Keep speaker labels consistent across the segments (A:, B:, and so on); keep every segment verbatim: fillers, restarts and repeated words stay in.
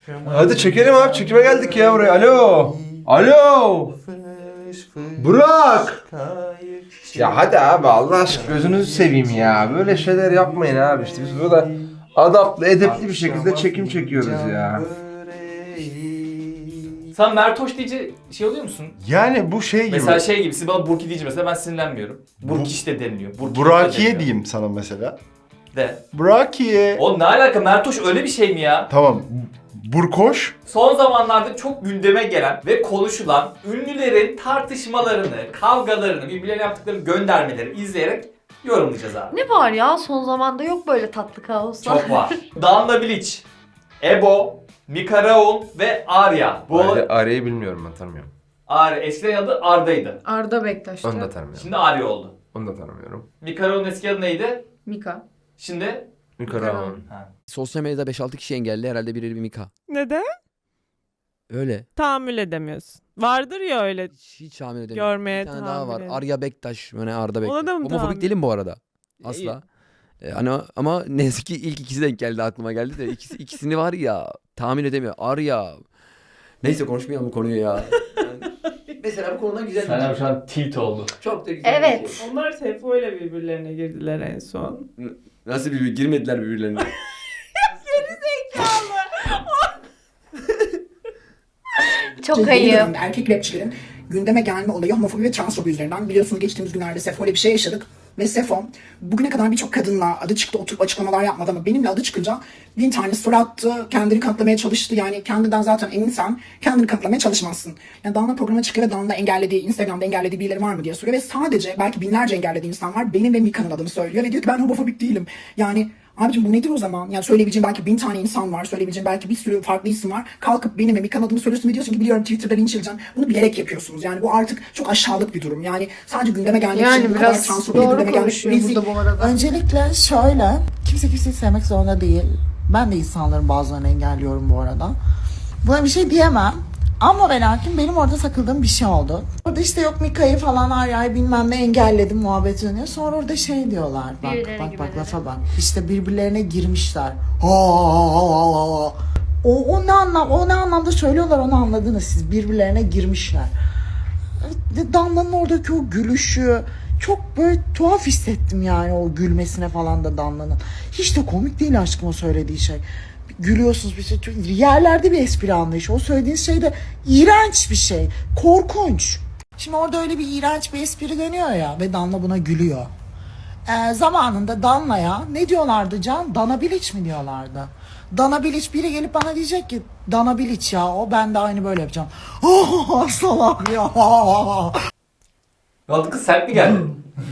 A: Hadi çekelim abi. Çekime geldik ya buraya. Alo. Alo. Burak. Ya hadi abi Allah aşkına gözünüzü seveyim ya. Böyle şeyler yapmayın abi işte. Biz burada adaplı, edepli bir şekilde çekim çekiyoruz ya.
B: Sen Mertoş deyince şey oluyor musun?
A: Yani bu şey gibi.
B: Mesela şey gibi, siz bana Burki deyince mesela ben sinirlenmiyorum. Burkiş de deniliyor. Burki
A: Burakiye
B: de deniliyor.
A: diyeyim sana mesela.
B: De.
A: Burakiye.
B: Oğlum ne alaka, Mertoş öyle bir şey mi ya?
A: Tamam. Burkoş.
B: Son zamanlarda çok gündeme gelen ve konuşulan ünlülerin tartışmalarını, kavgalarını, birbirlerine yaptıkları göndermeleri izleyerek yorumlayacağız abi.
C: Ne var ya, son zamanda yok böyle tatlı kaoslar.
B: Çok var. Danla Bilic, Ebo, Mika Raul ve Arya. Bu
A: Arya'yı bilmiyorum, ben tanımıyorum.
B: Arya, eskiden adı Arda'ydı.
C: Arda Bektaş'tı.
A: Onu da tanımıyorum.
B: Şimdi Arya oldu.
A: Onu da tanımıyorum.
B: Mika Raul'un eski adı neydi?
C: Mika.
B: Şimdi?
A: Yukarı.
B: Ha.
D: Sosyal medyada beş altı kişi engelli, herhalde biri bir Mika.
E: Neden?
D: Öyle.
E: Tahammül edemiyorsun. Vardır ya öyle.
D: Hiç, hiç tahmin edemiyorum.
E: Görmeye
D: Bir tane daha var.
E: tahammül
D: Arya Bektaş. Yani Arda Bektaş.
E: Ona da mı
D: Homofobik
E: tahammül-
D: değilim bu arada. Asla. Ee, hani ama ne yazık ki ilk ikisi denk geldi, aklıma geldi de ikisi, ikisini var ya tahmin edemiyor. Arya. Neyse konuşmayalım bu konuyu ya. Yani, mesela bu konudan güzel
B: Sen
D: bir
B: abi
D: şey.
B: şu an tilt oldu.
D: Çok da güzel
C: Evet.
D: bir şey.
E: Onlar Sefo ile birbirlerine girdiler en son.
D: Nasıl bir girmediler birbirlerine.
C: Çok
F: Yeni
C: ayıp.
F: dönemde erkek rapçilerin gündeme gelme olayı homofobi ve transfobi üzerinden. Biliyorsunuz geçtiğimiz günlerde Sefo ile bir şey yaşadık. Ve Sefo bugüne kadar birçok kadınla adı çıktı, oturup açıklamalar yapmadı ama benimle adı çıkınca bin tane soru attı, kendini kanıtlamaya çalıştı. Yani kendinden zaten eminsen kendini kanıtlamaya çalışmazsın. Yani Danla programa çıkıyor ve Danla engellediği, Instagram'da engellediği birileri var mı diye soruyor. Ve sadece belki binlerce engellediği insan var. Benim ve Mika'nın adını söylüyor ve diyor ki ben homofobik değilim. Yani abicim bu nedir o zaman? Yani söyleyebileceğim belki bin tane insan var. Söyleyebileceğim belki bir sürü farklı isim var. Kalkıp benim ve Mika'nın adını söylüyorsun ve diyorsun ki biliyorum Twitter'da linç edeceğim. Bunu bilerek yapıyorsunuz. Yani bu artık çok aşağılık bir durum. Yani sadece gündeme gelmek
C: Yani
F: için bu
C: biraz
F: kadar transfobi
C: doğru
F: gündeme gelmek
C: konuşuyor
F: rezil.
C: burada bu arada.
G: Öncelikle şöyle, kimse kimseyi sevmek zorunda değil. Ben de insanların bazılarını engelliyorum bu arada. Buna bir şey diyemem. Ama ve lakin benim orada takıldığım bir şey oldu. Orada işte yok Mika'yı falan Arya'yı bilmem ne engelledim muhabbet dönüyor. Sonra orada şey diyorlar. Bak
C: Birbirlerine
G: bak bak
C: girmeleri.
G: lafa bak. İşte birbirlerine girmişler. Ha, ha, ha, ha, ha. O, o ne anlam o ne anlamda söylüyorlar onu anladınız siz. Birbirlerine girmişler. Danla'nın oradaki o gülüşü çok böyle tuhaf hissettim yani o gülmesine falan da Danla'nın. Hiç de komik değil aşkım o söylediği şey. Gülüyorsunuz bir şey. Çok, yerlerde bir espri anlayışı. O söylediğiniz şey de iğrenç bir şey. Korkunç. Şimdi orada öyle bir iğrenç bir espri dönüyor ya ve Danla buna gülüyor. Ee, zamanında Danla'ya ne diyorlardı Can? Dana Bilic mi diyorlardı? Dana Bilic biri gelip bana diyecek ki Dana Bilic ya o ben de aynı böyle yapacağım. Oh salak ya.
B: Ne oldu kız, sert mi geldi?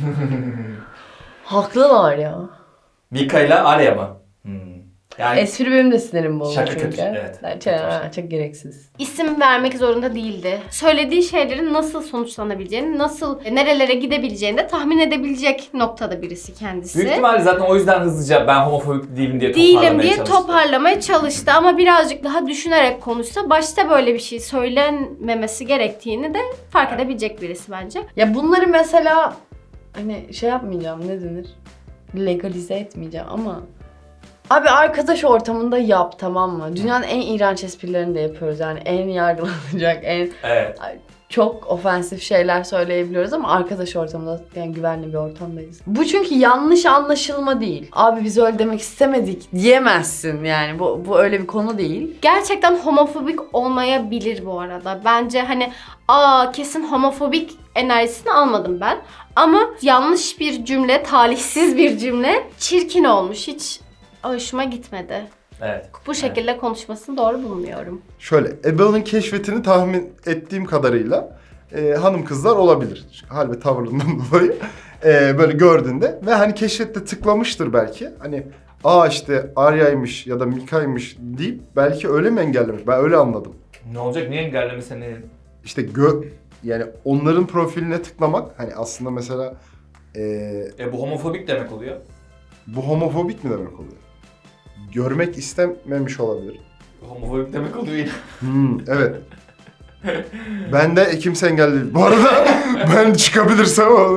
C: Haklılar ya.
B: Mika ile Arya mı? Hmm. Yani
C: Espri benim de sinirim bozdu
B: Şaka
C: çünkü.
B: kötü, evet.
C: Çok,
B: Kötü bir
C: ha, çok gereksiz.
H: İsim vermek zorunda değildi. Söylediği şeylerin nasıl sonuçlanabileceğini, nasıl nerelere gidebileceğini de tahmin edebilecek noktada birisi kendisi.
B: büyük ihtimalle zaten o yüzden hızlıca ben homofobik değilim diye
H: Değilim
B: toparlamaya
H: diye
B: çalıştı.
H: toparlamaya çalıştı ama birazcık daha düşünerek konuşsa başta böyle bir şey söylenmemesi gerektiğini de fark edebilecek birisi bence.
C: Ya bunları mesela hani şey yapmayacağım, ne denir? Legalize etmeyeceğim ama abi arkadaş ortamında yap, tamam mı? Dünyanın en iğrenç esprilerini de yapıyoruz yani en yargılanacak, en
B: Evet.
C: çok ofensif şeyler söyleyebiliyoruz ama arkadaş ortamında yani güvenli bir ortamdayız. Bu çünkü yanlış anlaşılma değil. Abi biz öyle demek istemedik diyemezsin yani bu, bu öyle bir konu değil.
H: Gerçekten homofobik olmayabilir bu arada. Bence hani aa kesin homofobik enerjisini almadım ben. Ama yanlış bir cümle, talihsiz bir cümle çirkin olmuş. Hiç hoşuma gitmedi.
B: Evet.
H: Bu şekilde konuşmasını doğru bulmuyorum.
A: Şöyle, Ebel'in keşfetini tahmin ettiğim kadarıyla e, hanım kızlar olabilir. Hal ve tavırından dolayı e, böyle gördüğünde ve hani keşfette tıklamıştır belki. Hani aa işte Arya'ymış ya da Mika'ymış deyip belki öyle mi engellemiş? Ben öyle anladım.
B: Ne olacak? Niye engelleme seni?
A: İşte gö yani onların profiline tıklamak hani aslında mesela e,
B: E bu homofobik demek oluyor.
A: bu homofobik mi demek oluyor? Görmek istememiş olabilir.
B: Homofobik demek oluyor yine.
A: Hmm, evet. Ben de kimse engelli değil. Bu arada ben çıkabilirsem o.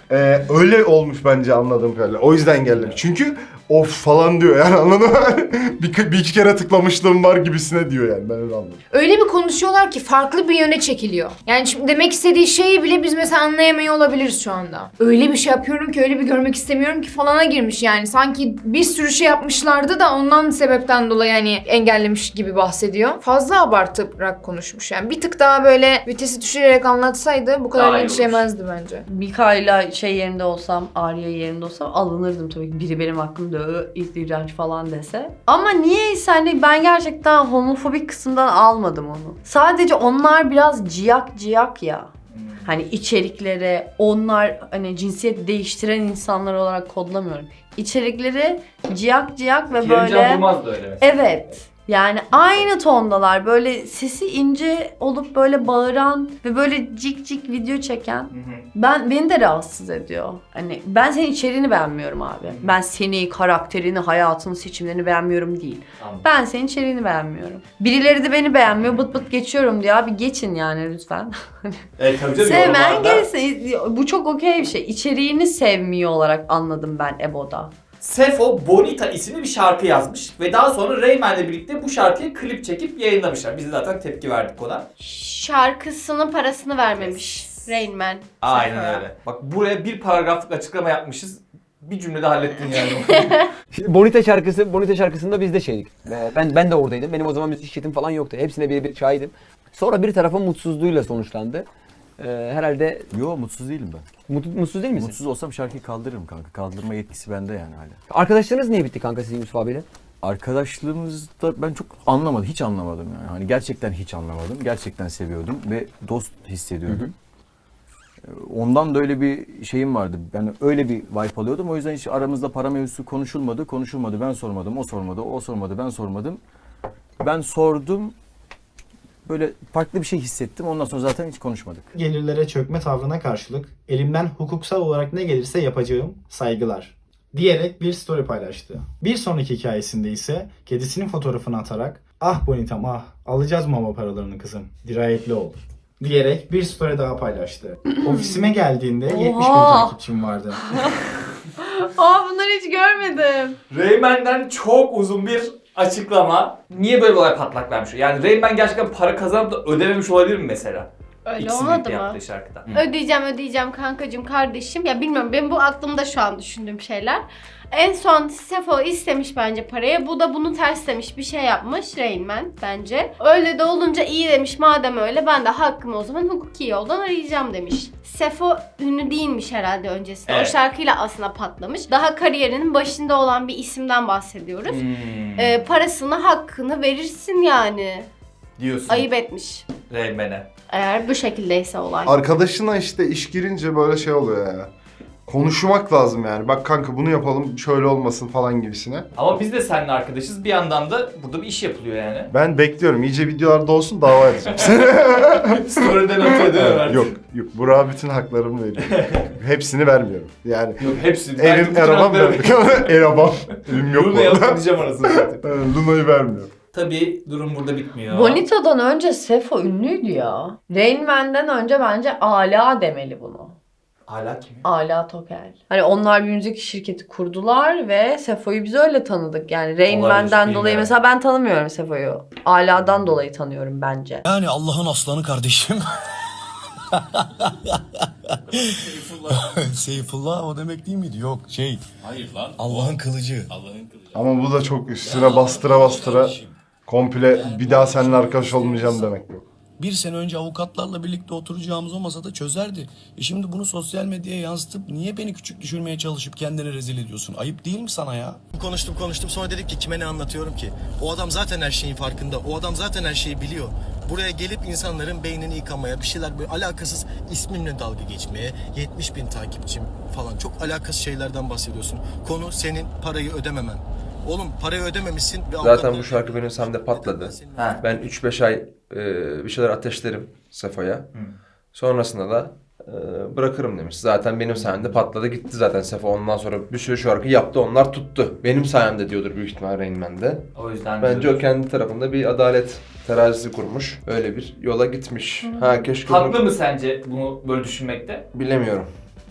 A: Ee, öyle olmuş bence anladığım kadarıyla. O yüzden engellemiş. Çünkü of falan diyor yani anladın mı? bir, bir iki kere tıklamışlığım var gibisine diyor yani ben öyle anladım.
I: Öyle bir konuşuyorlar ki farklı bir yöne çekiliyor. Yani şimdi demek istediği şeyi bile biz mesela anlayamıyor olabiliriz şu anda. Öyle bir şey yapıyorum ki, öyle bir görmek istemiyorum ki falana girmiş yani. Sanki bir sürü şey yapmışlardı da ondan sebepten dolayı yani engellemiş gibi bahsediyor. Fazla abartarak konuşmuş yani. Bir tık daha böyle vitesi düşürerek anlatsaydı bu kadar
B: Daha iyi
I: linçlemezdi bence.
C: Mika'yla şey yerinde olsam, Arya yerinde olsam alınırdım tabii ki. Biri benim hakkımda ö, iğrenç falan dese. Ama niyeyse hani ben gerçekten homofobik kısımdan almadım onu. Sadece onlar biraz ciyak ciyak ya. Hani içeriklere, onlar hani cinsiyet değiştiren insanlar olarak kodlamıyorum. İçerikleri ciyak ciyak ve
B: Kerimcan
C: böyle...
B: Durmaz da öyle mesela.
C: Evet. Yani aynı tondalar, böyle sesi ince olup böyle bağıran ve böyle cik cik video çeken.
B: Hı hı.
C: Ben beni de rahatsız ediyor. Hani ben senin içeriğini beğenmiyorum abi. Ben seni, karakterini, hayatını, seçimlerini beğenmiyorum değil.
B: Tamam.
C: Ben senin içeriğini beğenmiyorum. Birileri de beni beğenmiyor, bıt bıt geçiyorum diyor. Abi geçin yani lütfen.
B: Evet tabii canım.
C: Sevmeyen
B: yorumlarda-
C: gelsin. Bu çok okey bir şey. İçeriğini sevmiyor olarak anladım ben Ebo'da.
B: Sefo Bonita isimli bir şarkı yazmış ve daha sonra Rayman'le birlikte bu şarkıyı klip çekip yayınlamışlar. Biz de zaten tepki verdik ona.
H: Şarkısının parasını vermemiş Rain Man.
B: Aynen
H: Sefa'ya.
B: öyle. Bak buraya bir paragraflık açıklama yapmışız. Bir cümlede hallettin yani.
D: Şimdi Bonita şarkısı, Bonita şarkısında biz de şeydik. Ee, Ben ben de oradaydım. Benim o zaman müzik şirketim falan yoktu. Hepsine bir bir şahidim. Sonra bir tarafın mutsuzluğuyla sonuçlandı. Ee, herhalde
J: Yo mutsuz değilim ben.
D: mut, mutsuz değil misin?
J: Mutsuz olsam şarkıyı kaldırırım kanka. Kaldırma yetkisi bende yani hala.
D: Arkadaşlarınız niye bitti kanka sizin Yusuf abiyle?
J: Arkadaşlığımızda ben çok anlamadım, hiç anlamadım yani. Hani gerçekten hiç anlamadım. Gerçekten seviyordum ve dost hissediyordum. Ondan da öyle bir şeyim vardı. Ben öyle bir vibe alıyordum. O yüzden hiç aramızda para mevzusu konuşulmadı. Konuşulmadı. Ben sormadım. O sormadı. O sormadı. Ben sormadım. Ben sordum. Böyle farklı bir şey hissettim. Ondan sonra zaten hiç konuşmadık.
K: Gelirlere çökme tavrına karşılık elimden hukuksal olarak ne gelirse yapacağım, saygılar diyerek bir story paylaştı. Bir sonraki hikayesinde ise kedisinin fotoğrafını atarak ah Bonitam ah alacağız mama paralarını kızım dirayetli ol diyerek bir story daha paylaştı. Ofisime geldiğinde yetmiş bin takipçim vardı.
C: Aa bunları hiç görmedim.
B: Rayman'den çok uzun bir açıklama. Niye böyle bir olay patlak vermiş? Yani Rayman gerçekten para kazanıp da ödememiş olabilir mi mesela?
H: Öyle
B: İkisinin
H: olmadı
B: birlikte
H: mı?
B: yaptığı şarkıda.
H: Ödeyeceğim ödeyeceğim kankacığım kardeşim. Ya bilmiyorum benim bu aklımda şu an düşündüğüm şeyler. En son Sefo istemiş bence parayı. Bu da bunu terslemiş bir şey yapmış Rain Man bence. Öyle de olunca iyi demiş madem öyle ben de hakkımı o zaman hukuki yoldan arayacağım demiş. Sefo ünlü değilmiş herhalde öncesinde.
B: Evet.
H: O şarkıyla aslında patlamış. Daha kariyerinin başında olan bir isimden bahsediyoruz.
B: Hmm.
H: Ee, parasını hakkını verirsin yani.
B: Diyorsun
H: Ayıp etmiş.
B: Rayman'e.
H: Eğer bu şekildeyse olay.
A: Arkadaşına işte iş girince böyle şey oluyor ya. Konuşmak lazım yani. Bak kanka bunu yapalım şöyle olmasın falan gibisine.
B: Ama biz de seninle arkadaşız. Bir yandan da burada bir iş yapılıyor yani.
A: Ben bekliyorum. İyice videolarda olsun dava edeceğim.
B: Story'den öteye dönüyor.
A: yok yok. Burak'a bütün haklarımı veriyorum. Hepsini vermiyorum. Yani
B: Yok hepsi.
A: evim arabam vermiyorum. Arabam. Evim yok
B: Luna'ya
A: orada.
B: atlayacağım arasını zaten.
A: Luna'yı vermiyorum.
B: Tabii durum burada bitmiyor.
C: Bonita'dan önce Sefo ünlüydü ya. Rain Man'den önce bence Ala demeli bunu.
B: Hala kim?
C: Ala Tokel. Hani onlar bir müzik şirketi kurdular ve Sefo'yu biz öyle tanıdık. Yani Rain
B: Olabilir,
C: Man'den dolayı
B: bilmiyorum.
C: mesela ben tanımıyorum Sefo'yu. Ala'dan dolayı tanıyorum bence.
L: Yani Allah'ın aslanı kardeşim. Seyfullah o demek değil miydi? Yok şey.
J: Hayır lan.
L: Allah'ın kılıcı.
J: Allah'ın kılıcı.
A: Ama bu da çok üstüne bastıra bastıra komple bir daha seninle arkadaş olmayacağım demek bu.
L: Bir sene önce avukatlarla birlikte oturacağımız o masada çözerdi. E şimdi bunu sosyal medyaya yansıtıp niye beni küçük düşürmeye çalışıp kendini rezil ediyorsun? Ayıp değil mi sana ya? Konuştum konuştum sonra dedik ki kime ne anlatıyorum ki? O adam zaten her şeyin farkında. O adam zaten her şeyi biliyor. Buraya gelip insanların beynini yıkamaya, bir şeyler böyle alakasız ismimle dalga geçmeye, yetmiş bin takipçim falan çok alakasız şeylerden bahsediyorsun. Konu senin parayı ödememen. Oğlum parayı ödememişsin. Ve
M: Zaten bu şarkı benim sayemde patladı.
B: Ha.
M: Ben üç beş ay e, bir şeyler ateşlerim Sefo'ya. Sonrasında da e, bırakırım demiş. Zaten benim sayemde patladı gitti zaten Sefo. Ondan sonra bir sürü şarkı yaptı onlar tuttu. Benim sayemde diyordur büyük ihtimal Rain Man'de.
B: O yüzden
M: Bence
B: diyoruz.
M: o kendi tarafında bir adalet terazisi kurmuş. Öyle bir yola gitmiş. Ha keşke
B: Haklı
M: bunu...
B: mı sence bunu böyle düşünmekte?
M: Bilemiyorum.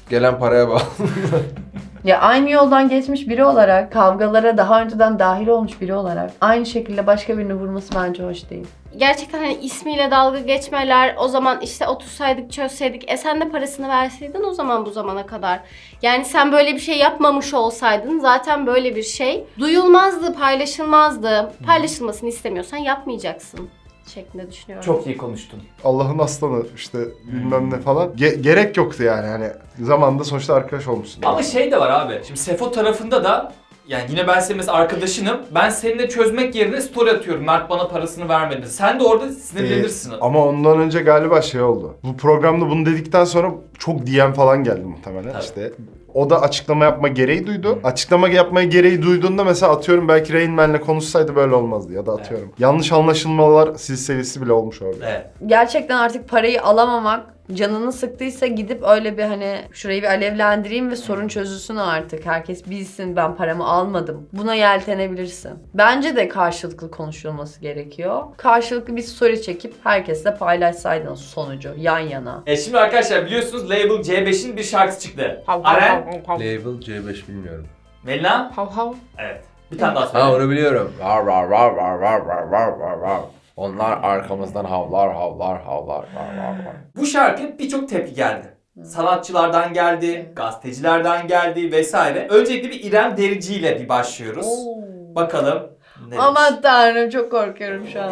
M: Gelen paraya bağlı.
C: Ya aynı yoldan geçmiş biri olarak, kavgalara daha önceden dahil olmuş biri olarak aynı şekilde başka birini vurması bence hoş değil.
H: Gerçekten hani ismiyle dalga geçmeler, o zaman işte otursaydık çözseydik, e sen de parasını verseydin o zaman bu zamana kadar. Yani sen böyle bir şey yapmamış olsaydın zaten böyle bir şey duyulmazdı, paylaşılmazdı. Paylaşılmasını istemiyorsan yapmayacaksın şeklinde düşünüyorum.
B: Çok iyi konuştun.
A: Allah'ın aslanı işte bilmem ne falan. Ge- gerek yoktu yani hani zamanında sonuçta arkadaş olmuşsun.
B: Ama şey de var abi. Şimdi Sefo tarafında da yani yine ben senin mesela arkadaşınım. Ben seninle çözmek yerine story atıyorum. Mert bana parasını vermedi. Sen de orada sinirlenirsin.
A: Ee, ama ondan önce galiba şey oldu. Bu programda bunu dedikten sonra çok D M falan geldi muhtemelen.
B: Tabii.
A: İşte o da açıklama yapma gereği duydu. Açıklama yapmaya gereği duyduğunda mesela atıyorum belki Rain Man'le konuşsaydı böyle olmazdı ya da atıyorum. Evet. Yanlış anlaşılmalar silsilesi bile olmuş orada.
B: Evet.
C: Gerçekten artık parayı alamamak canını sıktıysa gidip öyle bir hani şurayı bir alevlendireyim ve sorun çözülsün artık. Herkes bilsin ben paramı almadım. Buna yeltenebilirsin. Bence de karşılıklı konuşulması gerekiyor. Karşılıklı bir story çekip herkesle paylaşsaydın sonucu yan yana.
B: E şimdi arkadaşlar biliyorsunuz Label C beşin bir şarkısı çıktı. Aren,
M: Label C beş bilmiyorum.
B: Melina.
I: Hav hav.
B: Evet. Bir tane daha söyle.
M: Ha onu biliyorum. Var var var var var var var var var. Onlar arkamızdan havlar havlar havlar var var var.
B: Bu şarkı birçok tepki geldi. Sanatçılardan geldi, gazetecilerden geldi vesaire. Öncelikle bir İrem Derici ile bir başlıyoruz. Bakalım ne demiş?
C: Aman tanrım çok korkuyorum şu an.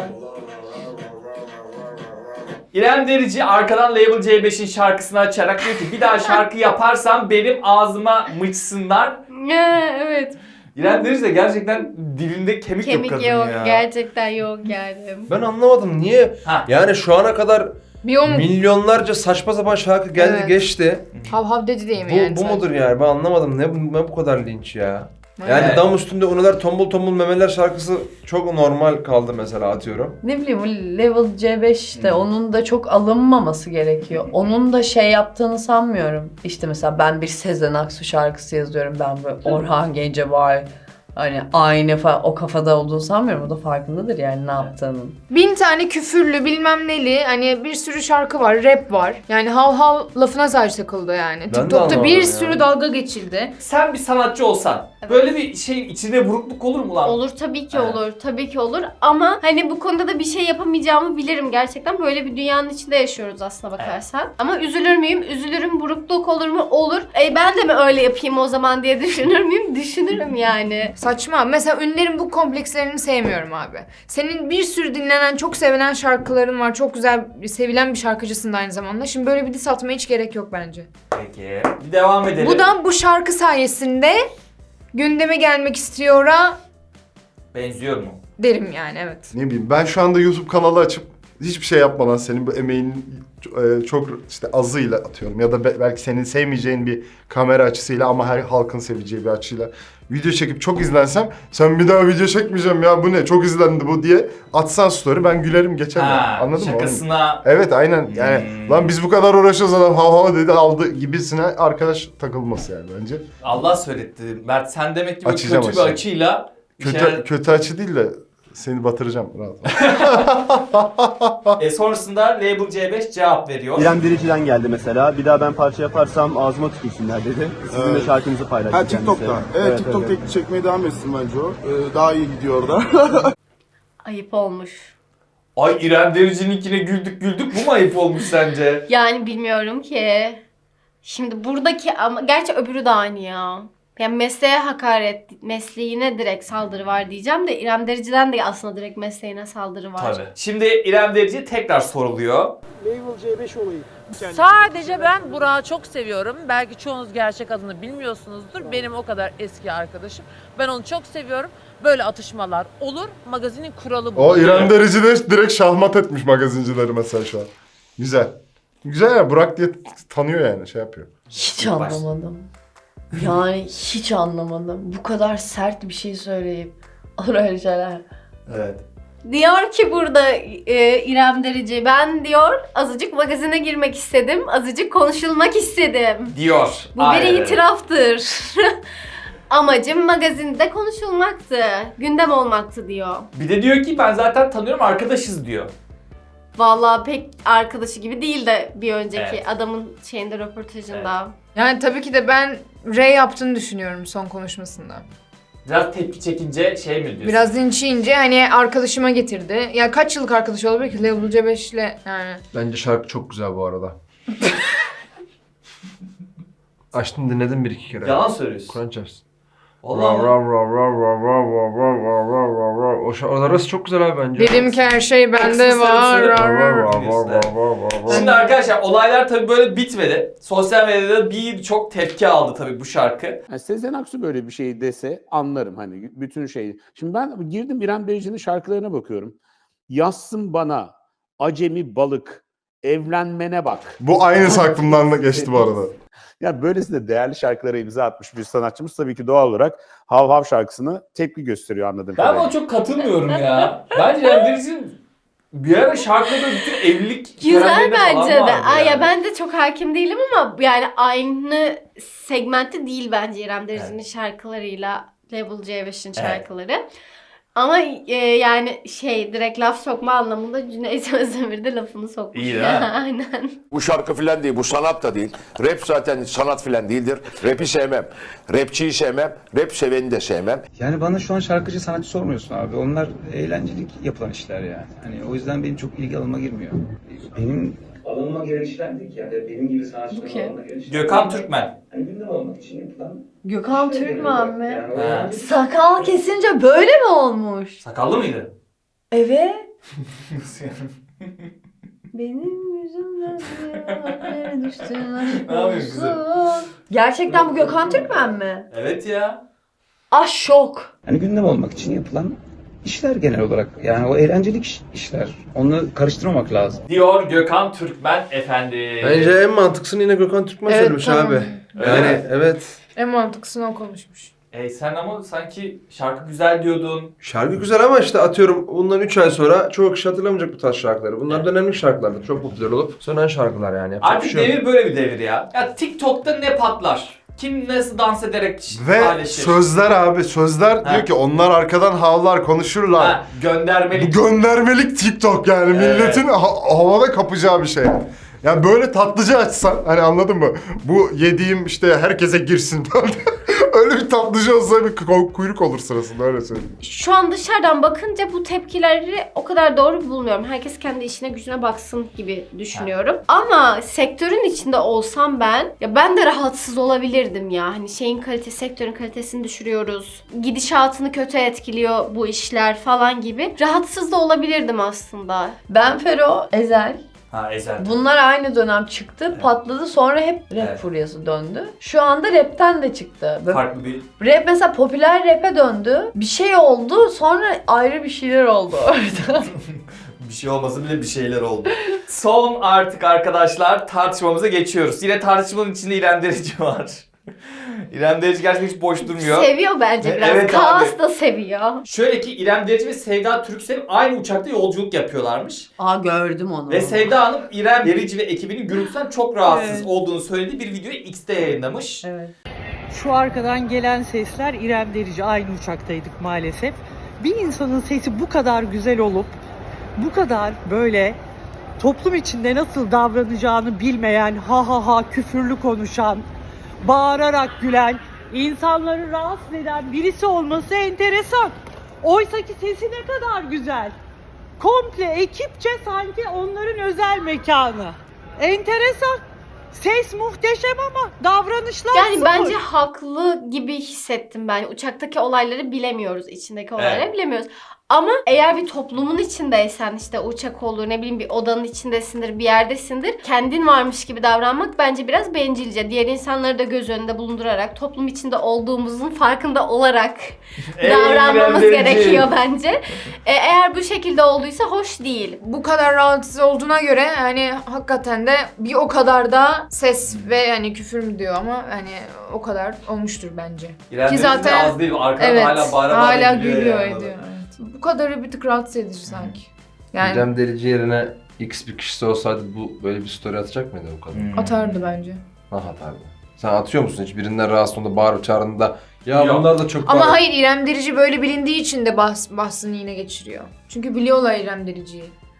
B: İrem Derici arkadan Label C beşin şarkısını açarak diyor ki bir daha şarkı yaparsam benim ağzıma mıçsınlar.
H: Evet.
B: İrem Derici de gerçekten dilinde kemik,
H: Kemik
B: yok
H: yok,
B: kadın ya.
H: gerçekten yok yani.
M: Ben anlamadım niye?
B: Ha.
M: Yani şu ana kadar
I: Bir o mu?
M: milyonlarca saçma sapan şarkı geldi
I: Evet.
M: geçti.
I: Hav hav dedi değil mi
M: Bu,
I: yani?
M: bu
I: sadece?
M: mudur yani? Ben anlamadım. Ne, bu- ne bu kadar linç ya?
I: Evet.
M: Yani dam üstünde unular tombul tombul memeler şarkısı çok normal kaldı mesela atıyorum.
C: Ne bileyim bu Level C beş işte onun da çok alınmaması gerekiyor. Onun da şey yaptığını sanmıyorum. İşte mesela ben bir Sezen Aksu şarkısı yazıyorum. Ben böyle Orhan Gencebay hani aynı fa- o kafada olduğunu sanmıyorum. O da farkındadır yani ne yaptığının.
I: Bin tane küfürlü bilmem neli hani bir sürü şarkı var, rap var. Yani hav hav lafına sadece takıldı yani.
M: de
I: TikTok'ta
M: anlamadım
I: bir
M: yani.
I: sürü dalga geçildi.
B: Sen bir sanatçı olsan böyle bir şeyin içine burukluk olur mu lan?
H: Olur tabii ki
B: Evet.
H: olur. Tabii ki olur ama hani bu konuda da bir şey yapamayacağımı bilirim gerçekten. Böyle bir dünyanın içinde yaşıyoruz aslına bakarsan. Ama üzülür müyüm? Üzülürüm. Burukluk olur mu? Olur. E ben de mi öyle yapayım o zaman diye düşünür müyüm? Düşünürüm yani.
I: Saçma. Mesela ünlülerin bu komplekslerini sevmiyorum abi. Senin bir sürü dinlenen, çok sevilen şarkıların var. Çok güzel, sevilen bir şarkıcısın da aynı zamanda. Şimdi böyle bir diss atmaya hiç gerek yok bence.
B: Peki. Bir devam edelim.
I: Bu da bu şarkı sayesinde gündeme gelmek istiyor'a
B: benziyor mu?
I: derim yani evet.
A: Ne bileyim ben şu anda YouTube kanalı açıp hiçbir şey yapmadan senin bu emeğinin e, çok işte azıyla atıyorum ya da be- belki senin sevmeyeceğin bir kamera açısıyla ama her halkın seveceği bir açıyla video çekip çok izlensem sen bir daha video çekmeyeceğim ya bu ne çok izlendi bu diye atsan story ben gülerim geçerim.
B: Ha,
A: Anladın mı?
B: şakasına.
A: Evet aynen yani
B: Hmm.
A: lan biz bu kadar uğraşıyoruz adam hav hav dedi aldı gibisine arkadaş takılması yani bence.
B: Allah söyletti. Mert sen demek ki böyle
A: Açacağım,
B: kötü bir
A: açacağım.
B: açıyla bir
A: Kötü
B: şeyler-
A: kötü açı değil de seni batıracağım rahat.
B: E sonrasında Label C beş cevap veriyor.
N: İrem Derici'den geldi mesela. Bir daha ben parça yaparsam ağzıma tükürsünler dedi. Sizin de şarkınızı paylaştı
O: Ha TikTok'ta.
N: kendisi.
O: Evet, TikTok tek çekmeye devam etsin bence o. Ee, daha iyi gidiyor orada.
H: Ayıp olmuş.
B: Ay İrem Derici'ninkine güldük güldük bu mu ayıp olmuş sence?
H: Yani bilmiyorum ki. Şimdi buradaki ama gerçi öbürü de aynı ya. Yani mesleğe hakaret, mesleğine direkt saldırı var diyeceğim de İrem Derici'den de aslında direkt mesleğine saldırı var.
B: Tabii. Şimdi İrem Derici tekrar soruluyor.
P: Label C beş olayı.
Q: Sadece ben Burak'ı çok seviyorum. Belki çoğunuz gerçek adını bilmiyorsunuzdur. Benim o kadar eski arkadaşım. Ben onu çok seviyorum. Böyle atışmalar olur. Magazinin kuralı bu.
A: O İrem Derici de direkt şahmat etmiş magazincileri mesela şu an. Güzel. Güzel ya Burak diye tanıyor yani şey yapıyor.
C: Hiç anlamadım. Yani hiç anlamadım. Bu kadar sert bir şey söyleyip olur öyle şeyler.
B: Evet.
H: Diyor ki burada e, İrem Derici, ben diyor azıcık magazine girmek istedim, azıcık konuşulmak istedim.
B: Diyor.
H: Bu
B: Aynen
H: bir
B: öyle.
H: itiraftır. Amacım magazinde konuşulmaktı, gündem olmaktı diyor.
B: Bir de diyor ki ben zaten tanıyorum arkadaşız diyor.
H: Vallahi pek arkadaşı gibi değil de bir önceki
B: Evet.
H: adamın şeyinde röportajında.
I: Yani tabii ki de ben R yaptığını düşünüyorum son konuşmasında.
B: Biraz tepki çekince şey mi diyorsun?
I: Biraz linçleyince hani arkadaşıma getirdi. Ya kaç yıllık arkadaş olabilir ki Level C beş'le yani.
M: Bence şarkı çok güzel bu arada. Açtım dinledim bir iki kere.
B: Yalan söylüyorsun.
M: Kur'an çarpsın.
B: Vallahi.
M: O şarkı arası çok güzel abi bence.
I: Dedim ki her şey bende var.
B: Şimdi arkadaşlar olaylar tabii böyle bitmedi. Sosyal medyada birçok tepki aldı tabii bu şarkı.
P: Yani Sezen Aksu böyle bir şey dese anlarım hani bütün şeyi. Şimdi ben girdim İrem Derici'nin şarkılarına bakıyorum. Yazsın bana acemi balık evlenmene bak.
A: Bu aynısı aklımdan da geçti bu arada.
P: Ya böylesine değerli şarkılara imza atmış bir sanatçımız tabii ki doğal olarak Hav Hav şarkısını tepki gösteriyor anladığım
B: Ben
P: kadarıyla.
B: buna çok katılmıyorum ya. Bence İrem Derici'nin bir ara şarkıda bütün evlilik
H: Güzel
B: törenlerinde falan
H: bence de.
B: vardı
H: Ay
B: yani.
H: ya ben de çok hakim değilim ama yani aynı segmentte değil bence İrem Derici'nin şarkılarıyla Level C beş'in
B: Evet.
H: şarkıları. Ama e, yani şey direkt laf sokma anlamında Cüneyt Özdemir de lafını sokmuş.
B: İyi değil mi?
H: Aynen.
R: Bu şarkı filan değil, bu sanat da değil. Rap zaten sanat filan değildir. Rap'i sevmem. Rapçiyi sevmem. Rap seveni de sevmem.
S: Yani bana şu an şarkıcı sanatçı sormuyorsun abi. Onlar eğlencelik yapılan işler yani. Hani o yüzden benim çok ilgi alanıma girmiyor. Benim alanıma giren işler değil ki yani. Benim gibi sanatçıların
H: Okey.
S: alanına giren işler.
B: Gökhan Türkmen.
S: Hani gündem olmak için yapılan
C: Gökhan
S: işler
C: Türkmen
S: genel
C: mi?
S: olarak. Yani o
B: Ha.
S: yüzden-
C: Sakal kesince böyle mi olmuş?
B: Sakallı mıydı?
C: Evet. Benim yüzümden hayallere düştün aşk
B: Ne yapıyorsun kızım?
C: olsun. Gerçekten bu Gökhan Türkmen mi?
B: Evet ya.
C: Ah şok.
S: Hani gündem olmak için yapılan işler genel olarak. Yani o eğlencelik iş- işler. Onu karıştırmamak lazım.
B: Diyor Gökhan Türkmen efendi.
M: Bence en mantıklısını yine Gökhan Türkmen
I: Evet,
M: söylemiş
I: tamam.
M: abi.
B: Öyle
M: Yani
B: mi?
M: evet.
I: En mantıklısını o konuşmuş.
B: E sen ama sanki şarkı güzel diyordun.
M: Şarkı güzel ama işte atıyorum bundan üç ay sonra çoğu kişi hatırlamayacak bu tarz şarkıları. Bunlar dönemlik şarkılardır. Çok popüler olup sönen şarkılar yani. Yapacak bir
B: Artık
M: şey yok.
B: devir böyle bir devir ya. Ya TikTok'ta ne patlar? Kim nasıl dans ederek
A: Ve
B: paylaşır?
A: sözler abi sözler
B: Ha.
A: diyor ki onlar arkadan havlar konuşurlar.
B: Ha, göndermelik.
A: Bu göndermelik TikTok yani
B: Evet.
A: milletin ha- havada kapacağı bir şey. Ya böyle tatlıcı açsan hani anladın mı? Bu yediğim işte herkese girsin falan. Öyle bir tatlıcı olsa bir ku- kuyruk olur sırasında öyle söyleyeyim.
H: Şu an dışarıdan bakınca bu tepkileri o kadar doğru bulmuyorum. Herkes kendi işine gücüne baksın gibi düşünüyorum. Ama sektörün içinde olsam ben, ya ben de rahatsız olabilirdim ya. Hani şeyin kalitesi, sektörün kalitesini düşürüyoruz. Gidişatını kötü etkiliyor bu işler falan gibi. Rahatsız da olabilirdim aslında.
C: Ben Fero, Ezel.
B: Ha Ezel.
C: Bunlar aynı dönem çıktı, patladı. Sonra hep rap
B: Evet.
C: furyası döndü. Şu anda rapten de çıktı. Böyle
B: Farklı bir...
C: rap mesela popüler rap'e döndü. Bir şey oldu, sonra ayrı bir şeyler oldu orada.
B: Bir şey olmasa bile bir şeyler oldu. Son artık arkadaşlar tartışmamıza geçiyoruz. Yine tartışmanın içinde İrem Derici var. İrem Derici gerçekten hiç boş durmuyor.
H: Seviyor bence biraz.
B: Evet
H: Kaos
B: abi.
H: da seviyor.
B: Şöyle ki İrem Derici ve Sevda Türksev aynı uçakta yolculuk yapıyorlarmış.
C: Aa gördüm onu.
B: Ve Sevda Hanım İrem Derici ve ekibinin gürültüden çok rahatsız
E: Evet.
B: olduğunu söylediği bir videoyu X'te yayınlamış.
C: Evet.
E: Şu arkadan gelen sesler İrem Derici. Aynı uçaktaydık maalesef. Bir insanın sesi bu kadar güzel olup bu kadar böyle toplum içinde nasıl davranacağını bilmeyen, ha ha ha küfürlü konuşan, bağırarak gülen, insanları rahatsız eden birisi olması enteresan. Oysa ki sesi ne kadar güzel. Komple ekipçe sanki onların özel mekanı. Enteresan. Ses muhteşem ama davranışlar
H: Yani
E: sıfır.
H: bence haklı gibi hissettim ben. Uçaktaki olayları bilemiyoruz, içindeki olayları
B: Evet.
H: bilemiyoruz. Ama eğer bir toplumun içindeysen işte uçak olur ne bileyim bir odanın içindesindir bir yerdesindir. Kendin varmış gibi davranmak bence biraz bencilce. Diğer insanları da göz önünde bulundurarak toplum içinde olduğumuzun farkında olarak
B: Ey
H: davranmamız
B: İrem Derici.
H: gerekiyor bence. E, eğer bu şekilde olduysa hoş değil.
I: Bu kadar rahatsız olduğuna göre hani hakikaten de bir o kadar da ses ve hani küfür mü diyor ama hani o kadar olmuştur bence.
B: İrem
I: Ki
B: Derici de
I: zaten-
B: az değil. Arkada
I: Evet,
B: hala bağıra bağıra
I: hala
B: gülüyor
I: gülüyor
B: yani.
I: ediyor. Evet. Bu kadarı bir tık rahatsız edici sanki. Yani
M: İrem Derici yerine X bir kişisi olsaydı bu böyle bir story atacak mıydı bu kadın?
B: Hmm.
I: atardı bence.
M: Ha atardı. Sen atıyor musun hiç birinden rahatsız olduğunda bağırıp çağırdığında ya
B: Yok.
M: bunlar da çok
I: Ama
M: bağırıyor.
I: hayır İrem Derici böyle bilindiği için de bahs bahsını yine geçiriyor. Çünkü biliyorlar İrem Derici'yi.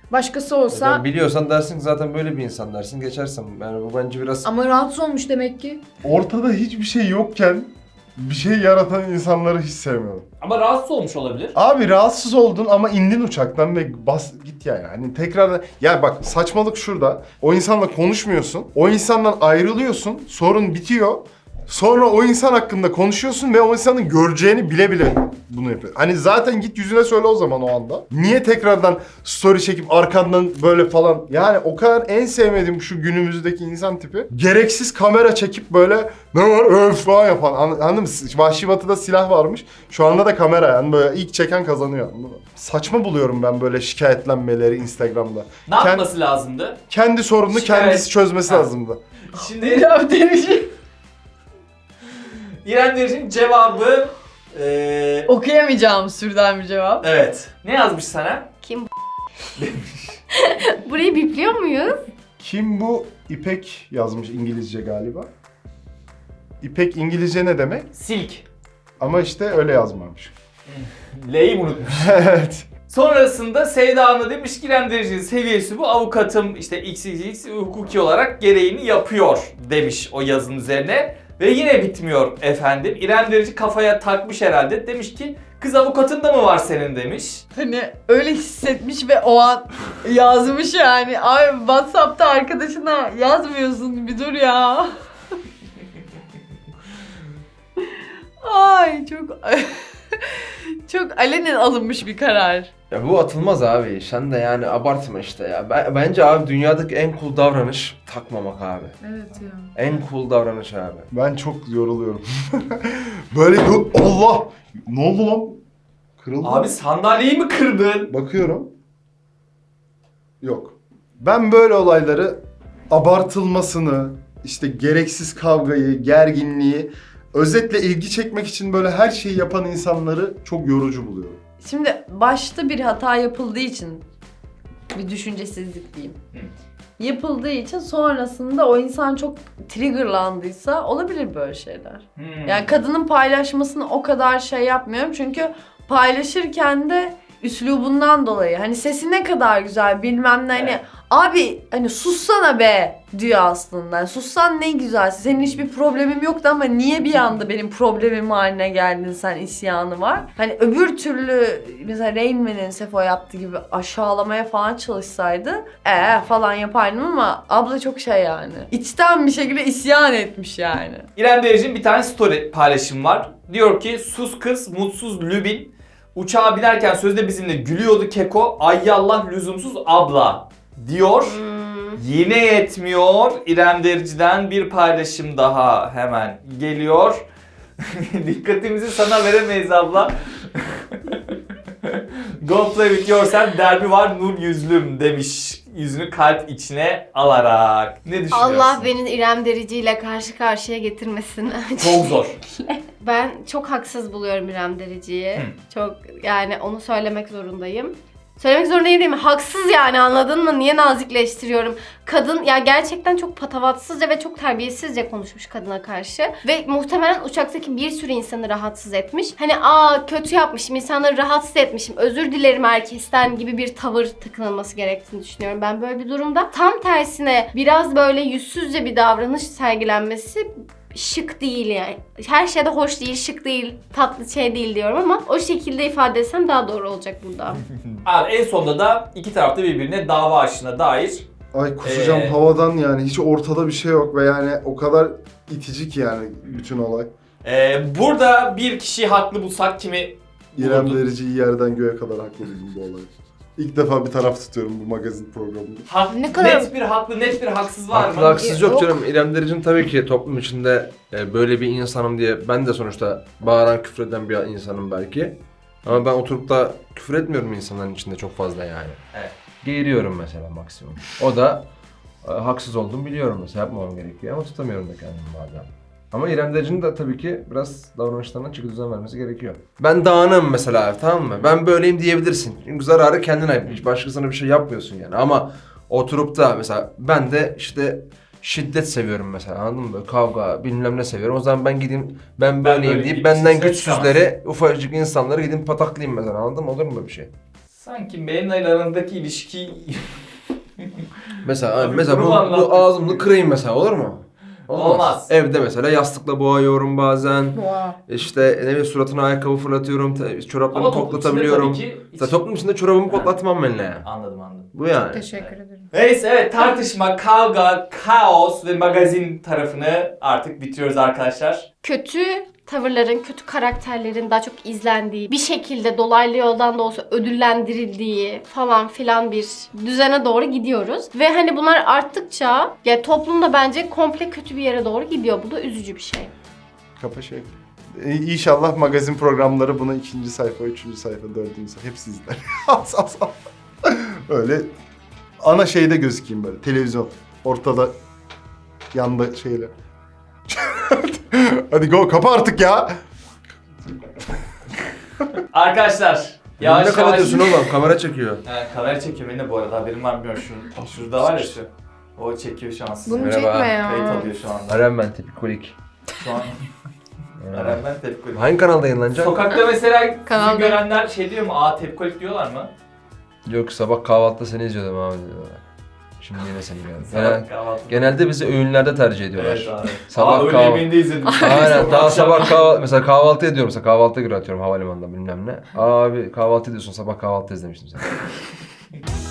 I: Başkası olsa
M: Yani biliyorsan dersin ki zaten böyle bir insan dersin geçersin. Yani bu bence biraz...
I: ama rahatsız olmuş demek ki.
A: Ortada hiçbir şey yokken bir şey yaratan insanları hiç sevmiyorum.
B: Ama rahatsız olmuş olabilir.
A: Abi rahatsız oldun ama indin uçaktan ve bas git yani. Hani tekrar ya bak saçmalık şurada. O insanla konuşmuyorsun. O insandan ayrılıyorsun. Sorun bitiyor. Sonra o insan hakkında konuşuyorsun ve o insanın göreceğini bile bile bunu yapıyor. Hani zaten git yüzüne söyle o zaman o anda. Niye tekrardan story çekip arkandan böyle falan. Yani o kadar en sevmediğim şu günümüzdeki insan tipi. Gereksiz kamera çekip böyle ne var öf falan yapan. Anladın mı? Vahşi Batı'da silah varmış. Şu anda da kamera yani böyle ilk çeken kazanıyor. Saçma buluyorum ben böyle şikayetlenmeleri Instagram'da.
B: Ne Kend- yapması lazımdı?
A: Kendi sorununu
B: Şikayet-
A: kendisi çözmesi
B: Ha.
A: lazımdı.
B: Şimdi İrem Derici. İrem Derici'nin cevabı... Ee...
C: Okuyamayacağım sürden bir cevap.
B: Evet. Ne yazmış sana?
H: Kim Burayı bipliyor muyuz?
A: Kim bu? İpek yazmış İngilizce galiba. İpek İngilizce ne demek?
B: Silk.
A: Ama işte öyle yazmamış.
B: L'yi unutmuş.
A: Evet.
B: Sonrasında Sevda Hanım demiş ki İrem Derici'nin seviyesi bu. Avukatım işte X X X hukuki olarak gereğini yapıyor demiş o yazının üzerine. Ve yine bitmiyor efendim. İrem Derici kafaya takmış herhalde. Demiş ki kız avukatın da mı var senin demiş.
C: Hani öyle hissetmiş ve o an yazmış yani. Ay WhatsApp'ta arkadaşına yazmıyorsun bir dur ya. Ay çok çok alenen alınmış bir karar.
M: Ya bu atılmaz abi. Sen de yani abartma işte ya. Ben, bence abi dünyadaki en cool davranış takmamak abi.
C: Evet ya.
M: En cool davranış abi.
A: Ben çok yoruluyorum. Böyle Allah! Ne oldu lan? Kırıldı.
B: Abi sandalyeyi mi kırdın?
A: Bakıyorum. Yok. Ben böyle olayları abartılmasını, işte gereksiz kavgayı, gerginliği, özetle ilgi çekmek için böyle her şeyi yapan insanları çok yorucu buluyorum.
C: Şimdi başta bir hata yapıldığı için bir düşüncesizlik diyeyim. Yapıldığı için sonrasında o insan çok triggerlandıysa olabilir böyle şeyler.
B: Hmm.
C: Yani kadının paylaşmasını o kadar şey yapmıyorum çünkü paylaşırken de üslubundan dolayı hani sesi ne kadar güzel bilmem ne hani
B: Evet.
C: abi hani sussana be diyor aslında. Yani sussan ne güzel. Senin hiçbir problemim yoktu ama niye bir anda benim problemim haline geldin sen isyanı var. Hani öbür türlü mesela Rain Man'in Sefo yaptığı gibi aşağılamaya falan çalışsaydı ee falan yapardım ama abla çok şey yani. İçten bir şekilde isyan etmiş yani.
B: İrem Derici'nin bir tane story paylaşım var. Diyor ki sus kız mutsuz lübin. Uçağa binerken sözde bizimle gülüyordu keko. Ay yallah lüzumsuz abla diyor.
H: Hmm.
B: Yine yetmiyor. İrem Derici'den bir paylaşım daha hemen geliyor. Dikkatimizi sana veremeyiz abla. Go play with yourself derbi var nur yüzlüm demiş. Yüzünü kalp içine alarak. Ne düşünüyorsun?
H: Allah beni İrem Derici ile karşı karşıya getirmesin.
B: Çok zor.
H: Ben çok haksız buluyorum İrem Derici'yi. Çok yani onu söylemek zorundayım. Söylemek zorundayım değil mi? Haksız yani anladın mı? Niye nazikleştiriyorum? Kadın ya gerçekten çok patavatsızca ve çok terbiyesizce konuşmuş kadına karşı. Ve muhtemelen uçaktaki bir sürü insanı rahatsız etmiş. Hani aa kötü yapmışım, insanları rahatsız etmişim, özür dilerim herkesten gibi bir tavır takınılması gerektiğini düşünüyorum. Ben böyle bir durumda tam tersine biraz böyle yüzsüzce bir davranış sergilenmesi şık değil yani. Her şeyde hoş değil, şık değil, tatlı şey değil diyorum ama o şekilde ifade etsem daha doğru olacak burada.
B: Abi en sonunda da iki tarafta birbirine dava açtığına dair.
A: Ay kusacağım
B: Ee,
A: havadan yani hiç ortada bir şey yok ve yani o kadar itici ki yani bütün olay.
B: Ee, burada bir kişi haklı bulsak kimi
A: İrem
B: bulurdun?
A: Derici'yi yerden göğe kadar haklı buldum bu olayı. İlk defa bir taraf tutuyorum bu magazin programında.
B: Ha,
I: Ne kadar-
B: net bir haklı, net bir haksız var
M: Haklı
B: mı?
M: haksız yok canım. İrem Derici'nin tabii ki toplum içinde e, böyle bir insanım diye ben de sonuçta bağıran küfreden bir insanım belki. Ama ben oturup da küfür etmiyorum insanların içinde çok fazla yani.
B: Evet.
M: Geğiriyorum mesela maksimum. O da e, haksız olduğumu biliyorum mesela yapmamam gerekiyor ama tutamıyorum da kendimi bazen. Ama İrem Derici'nin de tabii ki biraz davranışlarına çeki düzen vermesi gerekiyor. Ben dağınım mesela tamam mı? Ben böyleyim diyebilirsin. Çünkü zararı kendine ait. Hiç başkasına bir şey yapmıyorsun yani. Ama oturup da mesela ben de işte şiddet seviyorum mesela anladın mı? Böyle kavga bilmem ne seviyorum. O zaman ben gideyim ben böyleyim
B: böyle
M: deyip
B: bir
M: benden
B: şey
M: güçsüzleri ufacık insanları gidip pataklayayım mesela anladın mı? Olur mu böyle bir şey?
B: Sanki benimle arasındaki ilişki...
M: Mesela
B: Abi,
M: mesela
B: bunu
M: bu,
B: anlattın.
M: bu ağzımını kırayım mesela, olur mu?
B: Olmaz.
M: Evde mesela yastıkla boğuyorum bazen.
C: Boğa.
M: İşte ne bileyim suratına ayakkabı fırlatıyorum, te- çoraplarını
B: Ama toplum
M: toplatabiliyorum.
B: içinde tabii ki hiç-
M: Mesela toplum içinde çorabımı koklatmam benimle yani.
B: Anladım anladım.
M: Bu yani.
I: Teşekkür ederim.
B: Neyse evet, tartışma, kavga, kaos ve magazin tarafını artık bitiriyoruz arkadaşlar.
H: Kötü tavırların, kötü karakterlerin daha çok izlendiği, bir şekilde dolaylı yoldan da olsa ödüllendirildiği falan filan bir düzene doğru gidiyoruz. Ve hani bunlar arttıkça ya toplumda bence komple kötü bir yere doğru gidiyor. Bu da üzücü bir şey.
A: Kapa şey. Ee, İnşallah magazin programları bunu ikinci sayfa, üçüncü sayfa, dördüncü sayfa hepsi izler. Az az az. Öyle ana şeyde gözükeyim böyle. Televizyon. Ortada yanda şeyler. Hadi go, kapa artık ya.
B: Arkadaşlar
M: Ne
B: yavaş
M: kapatıyorsun oğlum? Kamera çekiyor.
B: Evet, kamera çekiyor beni de bu arada, haberim var mı bilmiyorum. Şu, şurada var ya şu. O çekiyor şu an sizi.
I: Bunu Merhaba. çekme ya.
B: Kayıt alıyor şu anda.
M: Aren ben tepikolik.
B: Şu an. Eren ben tepkolik.
M: Hangi kanalda yayınlanacak?
B: Sokakta mesela
I: Kanalda.
B: sizi görenler şey diyor mu? Aa tepkolik diyorlar mı?
M: Yok, sabah kahvaltıda seni izliyordum abi diyorlar. Şimdi yine seni geldi.
B: Sabah
M: Genel,
B: kahvaltıda.
M: genelde bizi öğünlerde tercih ediyorlar.
B: Evet abi.
M: Sabah
B: Aa, öğle
M: kahvaltı.
B: yemeğinde izledim.
M: Aynen, daha
B: Akşam.
M: sabah kahvaltı, mesela kahvaltı ediyorum, mesela kahvaltıya göre atıyorum havalimanında bilmem ne. Abi kahvaltı ediyorsun, sabah kahvaltı izlemiştim sen.